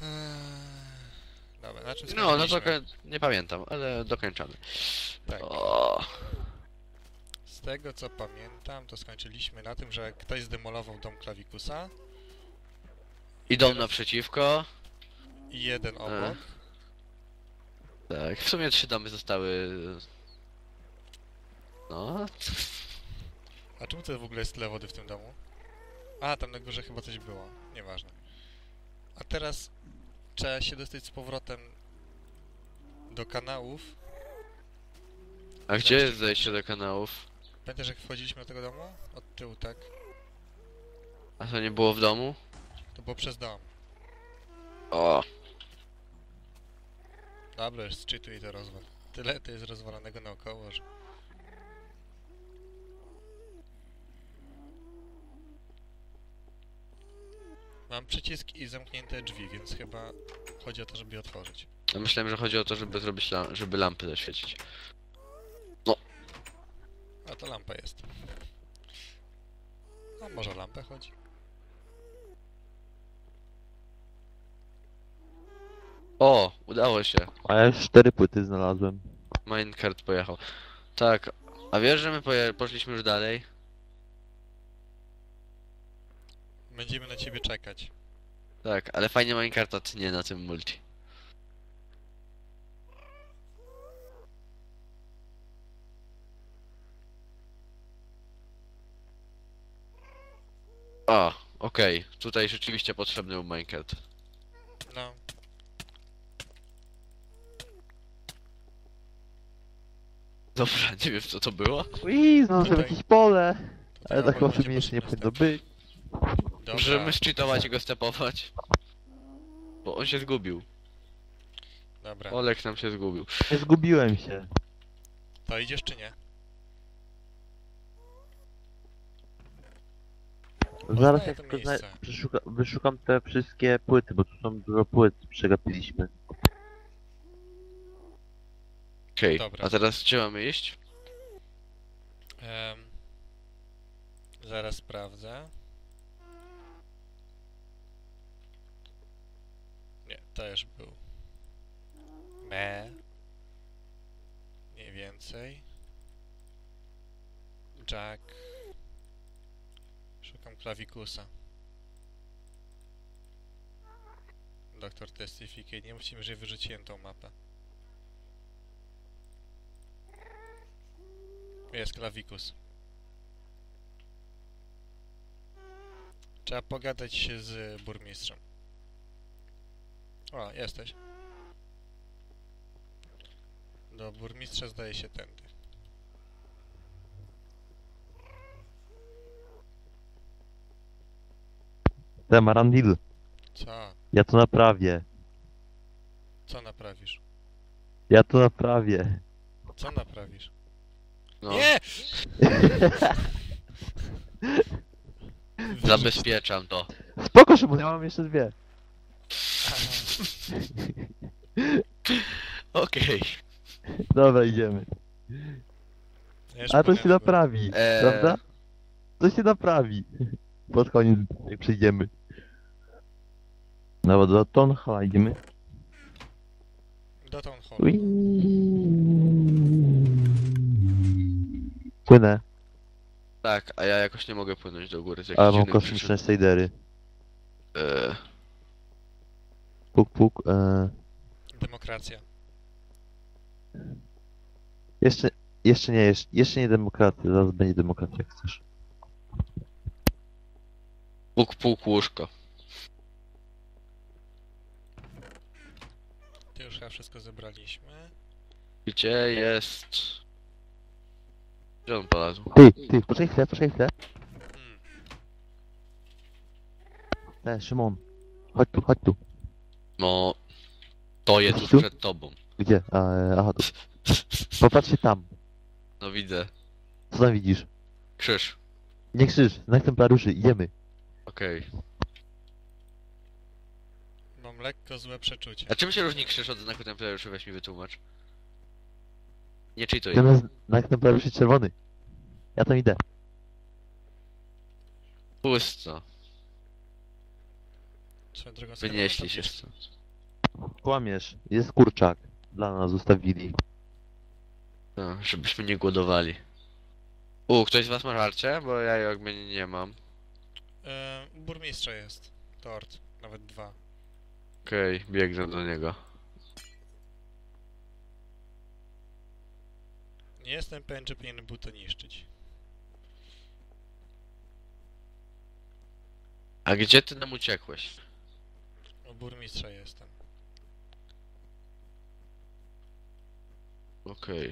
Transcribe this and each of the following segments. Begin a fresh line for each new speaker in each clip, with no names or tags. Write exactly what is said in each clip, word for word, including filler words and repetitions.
Eee, Dobra, na czym
No, no to
skończyliśmy?
koń- nie pamiętam, ale dokończamy.
Tak.
O,
Z tego co pamiętam, to skończyliśmy na tym, że ktoś zdemolował dom Klawikusa
idą
teraz
naprzeciwko.
i jeden
E,
obok.
tak, w sumie trzy domy zostały. No,
A czemu to w ogóle jest tyle wody w tym domu? A, tam na górze chyba coś było. Nieważne. A teraz trzeba się dostać z powrotem do kanałów.
a gdzie jest zejście do kanałów?
Pamiętasz jak wchodziliśmy do tego domu? Od tyłu, tak?
A to nie było w domu?
To było przez dom.
O,
Dobra, już zczytuj to rozwal. Tyle to jest rozwalonego naokoło, że... Mam przycisk i zamknięte drzwi, więc chyba chodzi o to, żeby je otworzyć.
ja myślałem, że chodzi o to, żeby zrobić lam żeby lampy zaświecić. No,
A to lampa jest. A może o lampę chodzi?
o, udało się.
A ja już cztery płyty znalazłem.
Minecart pojechał. Tak, a wiesz, że my poje poszliśmy już dalej?
Będziemy na ciebie czekać.
Tak, ale fajnie Minecarta tnie na tym multi. A, okej, tutaj rzeczywiście potrzebny był Minecart.
No,
Dobra, nie wiem co to było.
Ui, znalazłem
Tutaj.
jakieś pole.
tutaj
Ale tak
obok
chyba
będzie
jeszcze nie
potrzebny
powinno
step.
być.
Możemy
Dobra,
szczytować i go stepować. Bo on się zgubił.
dobra.
Olek nam się zgubił.
Nie zgubiłem się.
To idziesz czy nie?
Zaraz
Poznaję
jak
to
tylko zna-
miejsce.
przeszuka wyszukam te wszystkie płyty, bo tu są dużo płyt, przegapiliśmy.
Okej,
Dobra.
a teraz gdzie mamy iść?
Em, zaraz sprawdzę. Nie, to już był. Me. Mniej więcej. Jack. Szukam klawikusa. Doktor Testificate. Nie musimy, że wyrzuciłem tą mapę. Jest klawikus. Trzeba pogadać się z burmistrzem. O, jesteś. Do burmistrza zdaje się tędy.
Temarandil,
Co?
ja to naprawię.
Co naprawisz?
Ja to naprawię.
Co naprawisz?
No,
Nie! Wyrzuć-
zabezpieczam to.
Spoko, Szymon, ja mam jeszcze dwie.
Aha.
Okej.
Dobra, idziemy.
Ja już
A to
płynę
się
w górę.
naprawi,
Eee.
prawda? To się naprawi. Pod koniec, jak przyjdziemy. No bo do Tonhala idziemy.
Do Town Hall.
Ui. Płynę,
Tak, a ja jakoś nie mogę płynąć do góry z
ale
jakichś
mam
dziwnych
kosmiczne shadery.
przyczyn. Eee,
Puk, puk, e...
Demokracja.
Jeszcze, jeszcze nie, jeszcze, jeszcze nie demokracja, zaraz będzie demokracja, jak chcesz.
puk, puk, łóżko.
To już chyba wszystko zebraliśmy.
Gdzie jest... Gdzie on polazł?
Ty, ty, poczekaj chwilę, poczekaj chwilę.
Hmm.
E, Szymon, chodź tu, chodź tu.
No... To jest tuż
Tu?
przed tobą.
Gdzie? A, e, aha, tu. Popatrz się tam.
No widzę.
Co tam widzisz?
Krzyż.
Nie krzyż, znak templariuszy, idziemy.
Okej.
Mam lekko złe przeczucie.
A czym się różni krzyż od znaku templariuszy? Weź mi wytłumacz. Nie czytuj.
Zamiast znak templariuszy czerwony. Ja tam idę.
Pusto.
Swoją drogą skarbonka
Wynieśli się
bierz.
stąd.
Kłamiesz, jest kurczak. Dla nas zostawili.
No, żebyśmy nie głodowali. U, ktoś z was ma żarcie? Bo ja jak mnie nie mam.
E, u burmistrza jest. Tort. Nawet dwa.
Okej, biegnę do niego.
Nie jestem pewien, czy powinienem był to niszczyć.
A gdzie ty nam uciekłeś?
U burmistrza jestem.
Okej.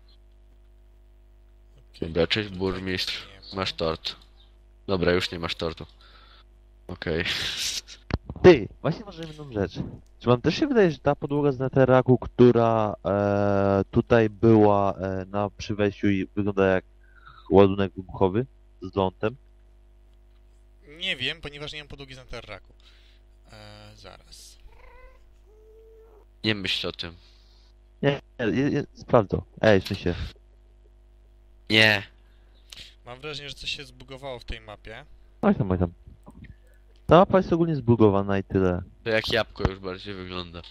Okej,
Dobra, cześć
tutaj
burmistrz.
nie ma.
Masz tort. Dobra, już nie masz tortu. Okej.
Ty, właśnie może jedną rzecz. Czy wam też się wydaje, że ta podłoga z neteraku, która e, tutaj była e, na przy wejściu i wygląda jak ładunek wybuchowy z lądem?
Nie wiem, ponieważ nie mam podłogi z Netherracku. E, zaraz.
Nie myśl o tym.
Nie, nie, nie, nie sprawdzę. Ej, w sensie.
Nie.
Mam wrażenie, że coś się zbugowało w tej mapie.
Oj tam, oj tam. Ta mapa jest ogólnie zbugowana i tyle.
To jak jabłko już bardziej wygląda.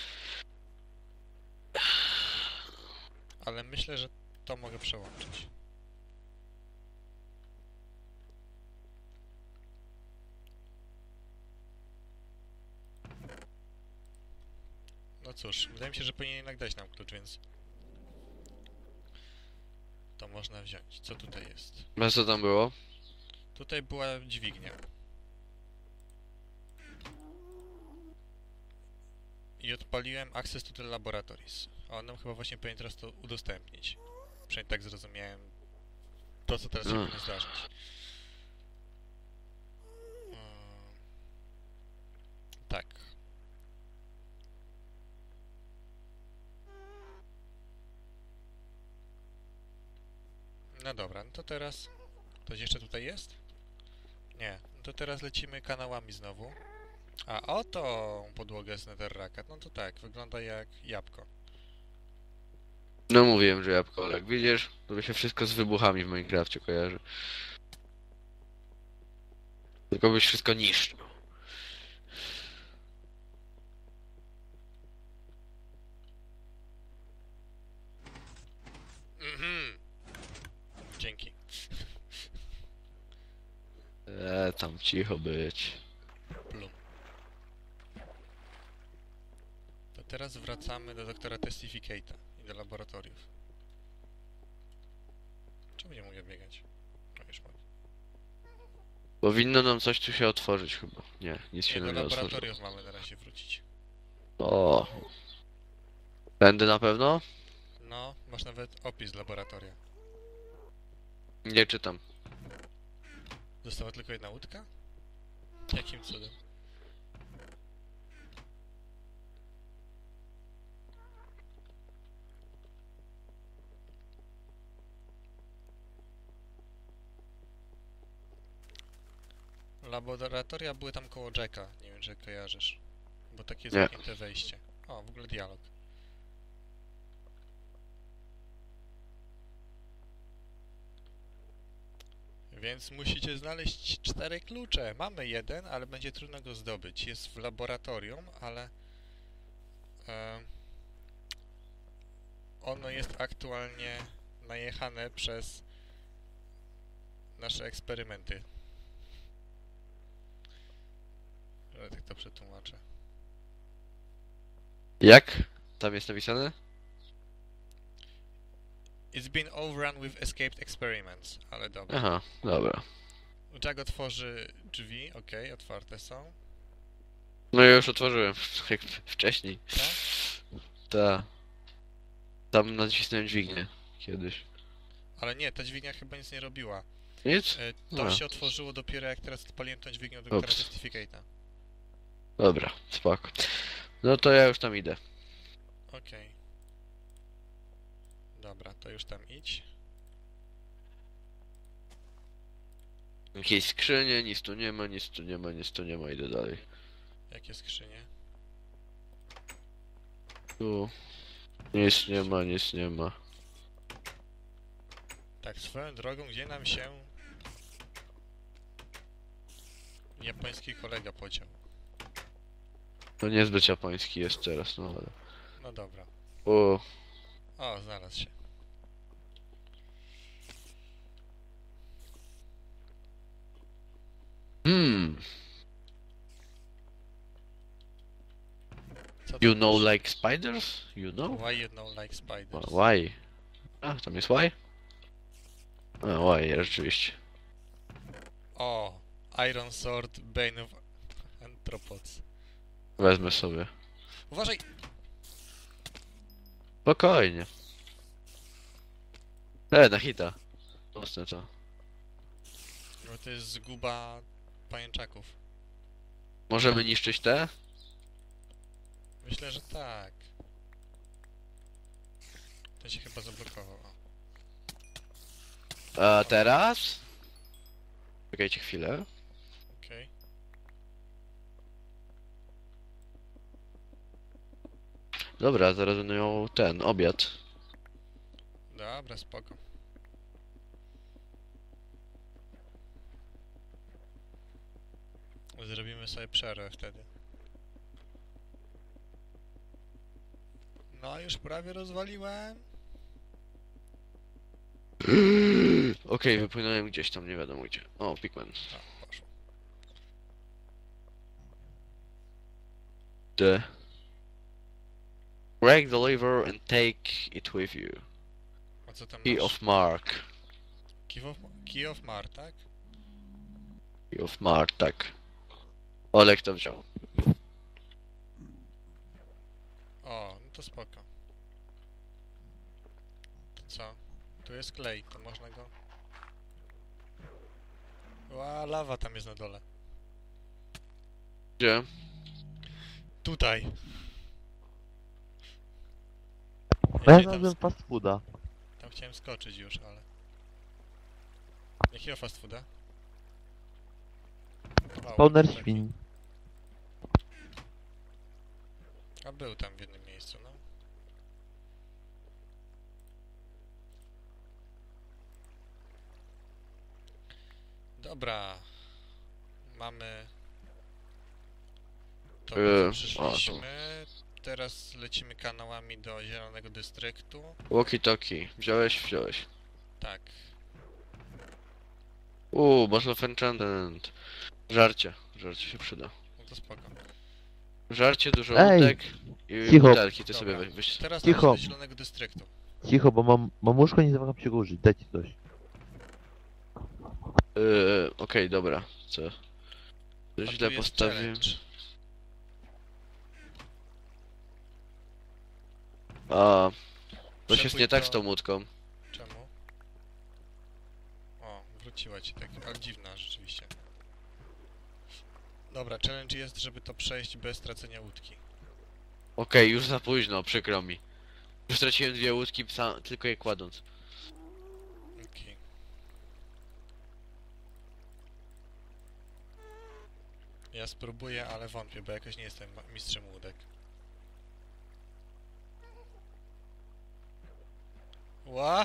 Ale myślę, że to mogę przełączyć. No cóż, wydaje mi się, że powinien jednak dać nam klucz, więc... To można wziąć. Co tutaj jest?
A co tam było?
Tutaj była dźwignia. I odpaliłem Access to the Laboratories. A on nam chyba właśnie powinien teraz to udostępnić. Przynajmniej tak zrozumiałem to, co teraz się
Mm.
powinno zdarzyć. Mm. Tak. No dobra, no to teraz... Ktoś jeszcze tutaj jest? Nie. No to teraz lecimy kanałami znowu. A oto podłogę z Netherracka. No to tak, wygląda jak jabłko.
No mówiłem, że jabłko, ale jak widzisz, to by się wszystko z wybuchami w Minecrafcie kojarzy. Tylko byś wszystko niszczył.
Mhm. Dzięki.
Eee, tam cicho być.
Plum. To teraz wracamy do doktora Testificate'a i do laboratoriów. Czemu nie mogę biegać? No już mogę.
Powinno nam coś tu się otworzyć chyba. Nie, nic
Nie,
się
do
nam nie otworzyło.
laboratoriów mamy na razie wrócić.
O. Tędy na pewno?
No, masz nawet opis laboratoria.
Nie czytam.
Została tylko jedna łódka? Jakim cudem? Laboratoria były tam koło Jacka, nie wiem czy kojarzysz. Bo takie
Nie.
zamknięte wejście. O, w ogóle dialog. Więc musicie znaleźć cztery klucze. Mamy jeden, ale będzie trudno go zdobyć. Jest w laboratorium, ale... E, ono jest aktualnie najechane przez nasze eksperymenty. Ale tak to przetłumaczę.
Jak? Tam jest napisane?
It's been overrun with escaped experiments, ale dobra.
Aha, dobra.
Jack otworzy drzwi, okej, otwarte są.
No ja już otworzyłem, jak wcześniej.
Tak?
Ta. Tam nacisnąłem dźwignię. Kiedyś.
Ale nie, ta dźwignia chyba nic nie robiła.
Nic?
E, to
A.
się otworzyło dopiero jak teraz odpaliłem tą dźwignię do doktora
Ups.
Testificate'a.
Dobra, spoko. No to ja już tam idę.
Okej. Dobra, to już tam idź.
Jakieś skrzynie, nic tu nie ma, nic tu nie ma, nic tu nie ma, idę dalej.
Jakie skrzynie?
Tu. Nic nie ma, nic nie ma.
Tak, swoją drogą, gdzie nam się japoński kolega podział?
To niezbyt japoński jest teraz, no ale...
No dobra.
O,
O, znalazł się.
hmm,
Co tam
you know
masz?
like spiders? You know?
Why you know like spiders?
Why? A, tam jest why? A, why, rzeczywiście.
O, Iron Sword, Bane of Anthropods.
Wezmę sobie.
Uważaj!
Spokojnie. E, na hita. Mocne to.
Bo to jest zguba pajęczaków.
Możemy niszczyć te?
Myślę, że tak. Ten się chyba zablokował. O,
A teraz? Czekajcie chwilę.
okej.
Dobra, zaraz będę miał ten, obiad.
Dobra, spoko. Zrobimy sobie przerwę wtedy. No, już prawie rozwaliłem.
Okej, wypłynąłem gdzieś tam, nie wiadomo gdzie. O, Pikmin.
O, poszło.
The... Break the lever and take it with you.
A co tam
Key
masz?
of Mark.
Key of, Key of Mar, tak?
Key of Mark, tak. Olek to wziął.
O, no to spoko. To co? Tu jest klej, to można go... Ła, lawa tam jest na dole.
Gdzie?
Tutaj.
No ja
Ja tam,
znalazłem fast fooda.
tam chciałem skoczyć już, ale... Jakiego fast fooda? Wow,
Spawner
taki.
świń.
A był tam w jednym miejscu, no. Dobra. Mamy... To, po
Yy,
co przyszliśmy. Teraz lecimy kanałami do Zielonego Dystryktu.
Walkie-talkie. Wziąłeś? Wziąłeś.
Tak.
Uuu, Bottle of Enchantment. Żarcie. Żarcie się przyda.
No to spoko.
Żarcie, dużo
Ej,
łódek i
cicho.
butelki, ty
Dobra.
sobie weź. weź.
Teraz
Cicho.
należy do Zielonego Dystryktu.
Cicho, bo mam, mam łóżko, nie zamagam się go użyć. Dajcie coś.
Yy, okej, dobra. Co?
A
To
tu
źle
jest
postawiłem.
challenge.
A, coś jest
Przepój
nie tak
to-
z tą łódką.
Czemu? O, wróciła ci tak, ale dziwna rzeczywiście. Dobra, challenge jest, żeby to przejść bez stracenia łódki.
Okej, już za późno, przykro mi. Już straciłem dwie łódki, psa, tylko je kładąc.
Okej. Ja spróbuję, ale wątpię, bo jakoś nie jestem ma- mistrzem łódek. Ła!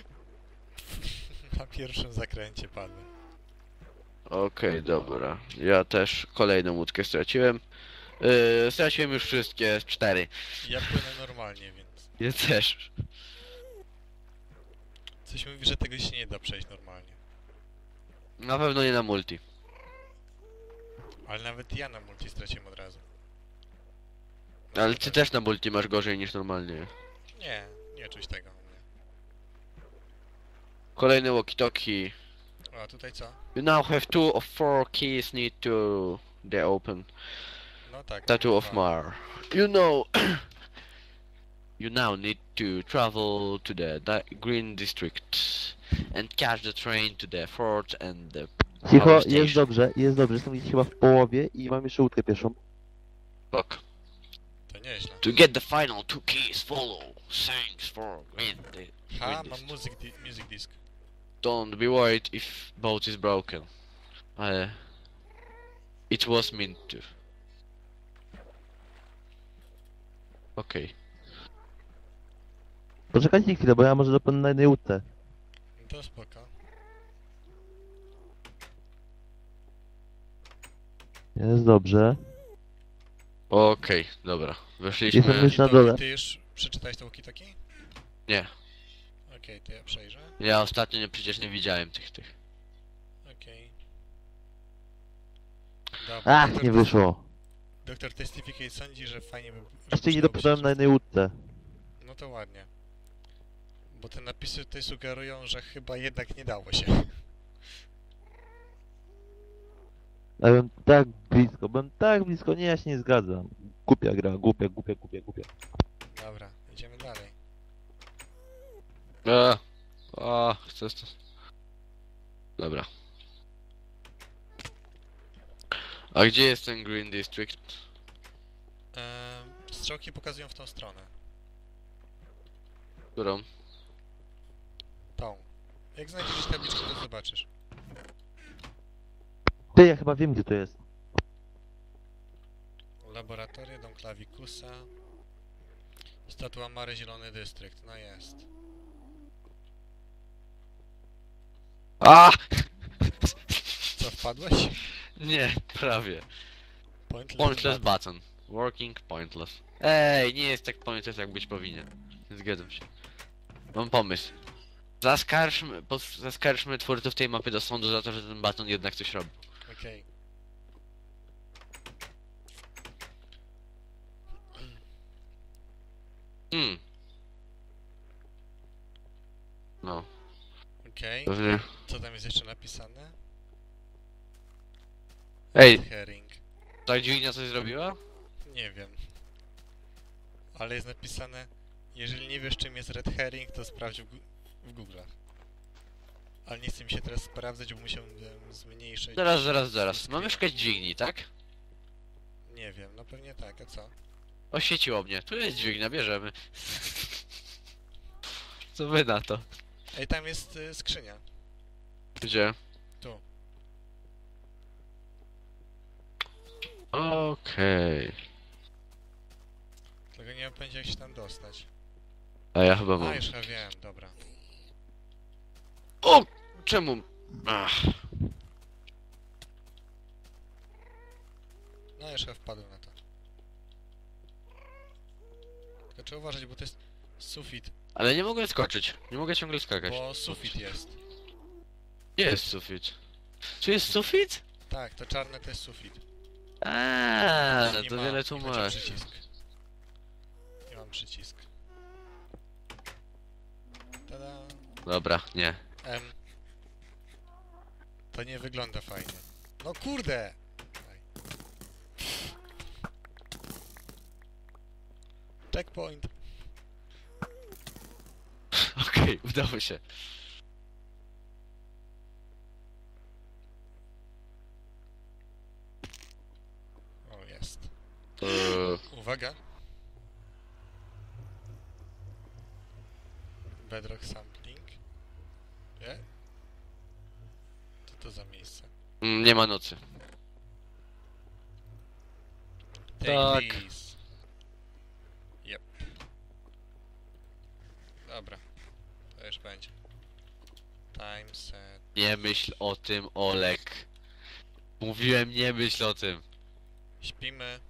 Na pierwszym zakręcie padłem.
Okej, dobra. Ja też kolejną łódkę straciłem. Yy, straciłem już wszystkie, cztery.
Ja płynę normalnie, więc...
Ja też.
Coś mówi, że tego się nie da przejść normalnie.
Na pewno nie na multi.
Ale nawet ja na multi straciłem od razu.
Ale ty też na multi masz gorzej niż normalnie.
Nie, nie czuć tego u mnie.
Kolejny walkie-talkie.
O, a tutaj co?
You now have two of four keys need to the open.
No tak.
Tattoo of
dwa.
Mar. You know... You now need to travel to the di Green District and catch the train to the fort and the
Cicho,
power
jest
station.
dobrze, jest dobrze. Jestem gdzieś chyba w połowie i mam jeszcze łódkę pierwszą.
Fuck.
To nieźle.
To get the final two keys, follow. Thanks for Green Di
Ha,
Green
mam
District.
music, di music disc.
Don't be worried if boat is broken. Uh, it was meant to. Okej.
Poczekajcie chwilę, bo ja może dopłynę na jednej łódce.
No to spoko.
Jest dobrze.
Okej, dobra. Weszliśmy...
Jestem już na
Walkie-talkie,
dole.
Ty już przeczytałeś to walkie-talkie?
Nie.
Okej, to ja przejrzę.
Ja ostatnio nie, przecież nie widziałem tych tych.
Okej. Dobra,
Ach,
doktor
nie
Test-
wyszło.
Doktor Testificate sądzi, że fajnie by... żeby
Jeszcze nie
przydałoby się
dopadłem na jednej łódce.
No to ładnie. Bo te napisy tutaj sugerują, że chyba jednak nie dało się.
Ja byłem tak blisko, byłem tak blisko, nie, ja się nie zgadzam. Głupia gra, głupia, głupia, głupia, głupia.
Dobra, idziemy dalej.
Eee. O, chcę to. Dobra. A gdzie jest ten Green District?
Ehm, strzałki pokazują w tą stronę.
Którą?
Tą. Jak znajdziesz tabliczkę, to zobaczysz.
Ty, ja chyba wiem, gdzie to jest.
Laboratorium, dom Klawikusa. Statua Mary, Zielony Dystrykt. No jest.
A!
Co, wpadłeś?
Nie, prawie.
Pointless,
Pointless
button.
button. Working pointless. Ej, nie jest tak pointless, jak być powinien. Zgadzam się. Mam pomysł. Zaskarżmy, pos, zaskarżmy twórców tej mapy do sądu za to, że ten baton jednak coś robi.
Okej.
Hmm. No,
Okej.
pewnie.
Co tam jest jeszcze napisane?
Ej,
Herring.
ta dźwignia coś zrobiła?
Nie wiem. Ale jest napisane, jeżeli nie wiesz czym jest Red Herring, to sprawdź w, gu- w Google'ach. Ale nie chcę mi się teraz sprawdzać, bo musiałbym zmniejszyć...
Zaraz, zaraz, zaraz.
screen.
Mamy szukać dźwigni, tak?
Nie wiem, no pewnie tak, a co?
Oświeciło mnie. Tu jest dźwignia, bierzemy. Co wy na to?
Ej, tam jest y, skrzynia.
Gdzie?
Tu.
Okej.
Tylko nie mam pojęcia jak się tam dostać.
A ja chyba
A,
mam.
już chyba wiem, dobra.
O! Czemu? Ach.
No, już chyba wpadłem na to. Tylko trzeba uważać, bo to jest sufit.
Ale nie mogę skoczyć. Nie mogę ciągle skakać.
Bo sufit jest.
Gdzie jest sufit? Tu jest sufit?
Tak, to czarne to jest sufit.
Aaa, no
Nie
to
ma,
wiele
nie chodzi o
tłumaczy.
przycisk. Nie mam przycisk. Tada.
Dobra, nie.
Em. To nie wygląda fajnie. No kurde! Aj. Checkpoint.
Okej, udało się.
O, jest.
Eee,
Uwaga. Bedrock sampling. Nie? Co to za miejsce?
mm, nie ma nocy.
Take
Tak.
these. Yep. Dobra. To już będzie. Time set.
Nie myśl o tym, Olek. Mówiłem, nie myśl o tym.
Śpimy.